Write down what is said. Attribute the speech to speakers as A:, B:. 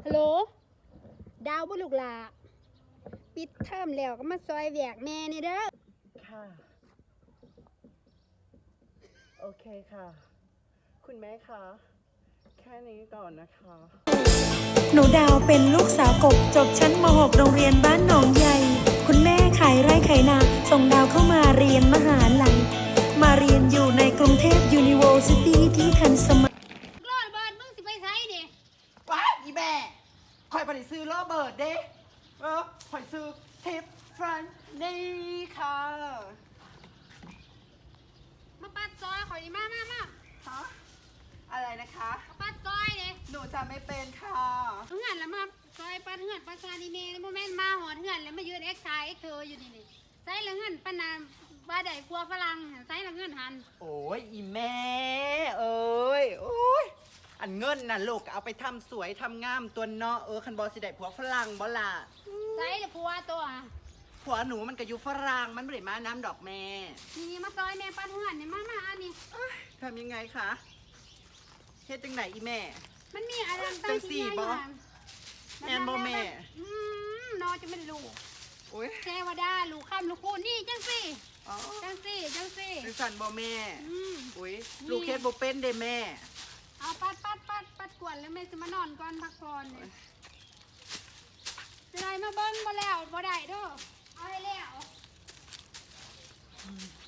A: ฮัลโหลดาวบุลูกหลาปิดเทอมแล้วก็มาซอยแหวกแม่นี่เด้อ
B: ค่ะโอเคค่ะคุณแม่คะแค่นี้ก่อนนะคะ
C: หนูดาวเป็นลูกสาวกบจบชั้นม .6 โรงเรียนบ้านหนองใหญ่คุณแม่ขายไร่ขายนาส่งดาวเข้ามาเรียนมหาลัยมาเรียนอยู่ในกรุงเทพ University ที่ทันสมัย
A: รอดเบิร์ดมึงสิไปไสนี่
B: ว้าอีแม่คอยไปซื้อโรเบิร์ตเด้คอยซื้อทิฟฟรันนี่ค่ะ
A: มาปัดซอยข่อยนี่มา
B: ฮะอะไรนะคะ
A: มาปัดซอยนี่
B: หนูจะไม่เป็นค่ะ
A: เหือนแล้วมาซอยปัดเหือนปัดซาดีเน่แล้วโมแม่นมาหอดเหือนแล้วมายืนเอ็กซ์ไซเธออยู่นี่ใส่ละเหือนปานนาบาได้กลัวฝรั่งใส่ละเหือนหัน
B: โอ้ยอีแม่เอ้ยโอ้ยอันเงินน่ะลูกเอาไปทำสวยทำงามตัวเนาะคันบอสิได้ผัวฝรั่งบ่ล่ะ
A: ใส่ละผัวตัว
B: ผัวหนูมันก็อยู่ฝรั่งมันไม่ได้มาน้ำดอกแม่
A: นี่มาซอยแม่ปัดเหือนนี่มาอันนี้
B: ทำยังไงคะเฮ็ดจังไหนอีแม่
A: มันมีอะไร
B: จังสี่บ่แม่บ่แม่
A: นอจะไม่รู้
B: โอ้ย
A: เทวดาลูกข้ามลูกคูนี่จังสี่จังสี่
B: สันบ่แม่อุ้ยลูกเฮ็ดบ่เป็นเด้แม่
A: เอาปัดกวนแล้วแม่จะมานอนก่อนพักผ่อนเลยจะได้มาเบิ้งบ่แล้วบ่ได้เด้อเอาให้แล้ว